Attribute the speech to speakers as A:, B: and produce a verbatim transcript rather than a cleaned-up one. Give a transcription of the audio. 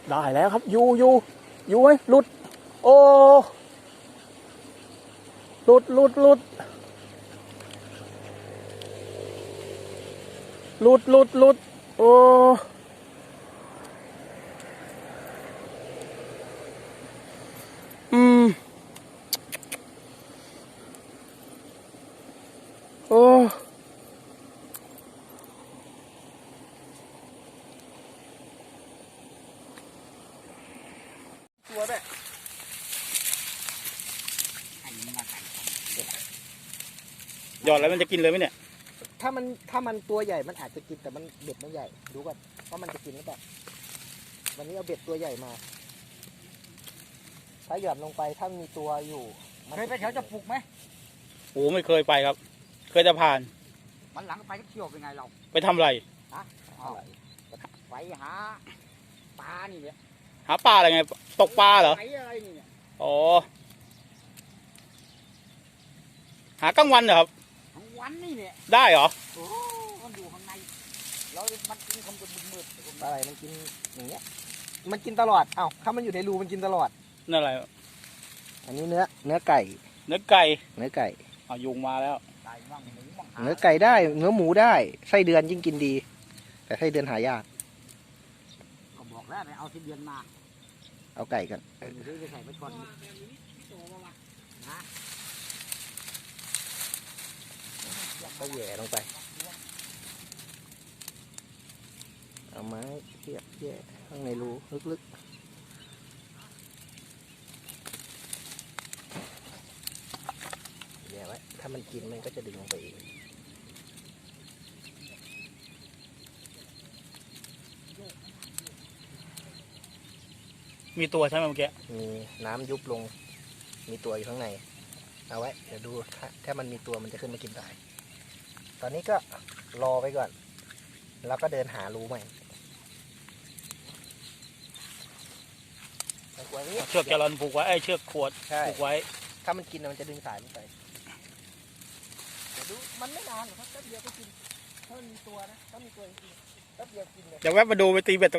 A: ได้แล้วครับอยู่อยู่อยู่ไหมหลุดโอ้หลุดหลุดหลุดหลุดหลุดหลุดโอ้อืมโอ้ตัวแบบหยอดแล้วมันจะกินเลยไหมเนี่ย
B: ถ้ามันถ้ามันตัวใหญ่มันอาจจะกินแต่มันเบ็ดมันใหญ่ดูก่อนว่ามันจะกินหรือเปล่าวันนี้เอาเบ็ดตัวใหญ่มาถ้าหย่อนลงไปถ้ามีตัวอยู่เคยไปแถวจะปลุกไหม
A: โอ้ไม่เคยไปครับเคยจะผ่าน
C: มันหลังไปก็เที่ยวเป็นไงเรา
A: ไปทำอะไร
C: ฮะไปหาปลานี่เนี่ย
A: หาปลาอะไรไงตกปลาเหรอ
C: ไปอะไรนี่เนี่ย
A: อ๋อหากลางวันเหรอครับ
C: ทั้งวันนี่เนี่ย
A: ได้เหรอ
C: โอ้มันอยู่ข้างในเรามันกินคำมืดมืด
B: อะไรมันกินอย่างเงี้ยมันกินตลอดเอ้าถ้ามันอยู่ในรูมันกินตลอด
A: นั่นอะไร
B: อันนี้เนื้อเนื้อไก่
A: เนื้อไก่
B: เนื้อไก่
A: เอายุงมาแล้ว
C: ไก่บ้างหมูบ้างหา
B: เนื้อไก่ได้เนื้อหมูได้ไส้เดือนยิ่งกินดี แต่ไส้เดือนหายาก
C: ก็บอกแล้วไปเอาที่เดือนมา
B: เอาไก่กัน
C: เดี๋ยวจะใส่ไปก่อนนะ
B: ก็แหย่ลงไปเอาไม้เทียบแย่ข้างในรูลึกๆแย่ไว้ถ้ามันกินมันก็จะดึงลงไปเอง
A: มีตัวใช่ไหมเมื่อกี้
B: มีน้ำยุบลง มีตัวอยู่ข้างใน เอาไว้ เดี๋ยวดูถ้าถ้ามันมีตัวมันจะขึ้นมากินได้ ตอนนี้ก็รอไปก่อน แล้วก็เดินหารูใหม่เอาไว้นี่
A: เชือกแกลลอนผูกไว้ไอ้เชือกขวด
B: ใช่
A: ผูกไว้
B: ถ้ามันกินน่ะมันจะดึงสายลงไปเดี๋ยวดู มันไม่นานหรอกครับแป๊บเดียวก็กิน ถ้ามันมีตัวนะ ถ้ามีตัวจริงๆแป๊บเดียวกินเลย
A: เดี๋ยวแวะมาดูไปตีเบ็ด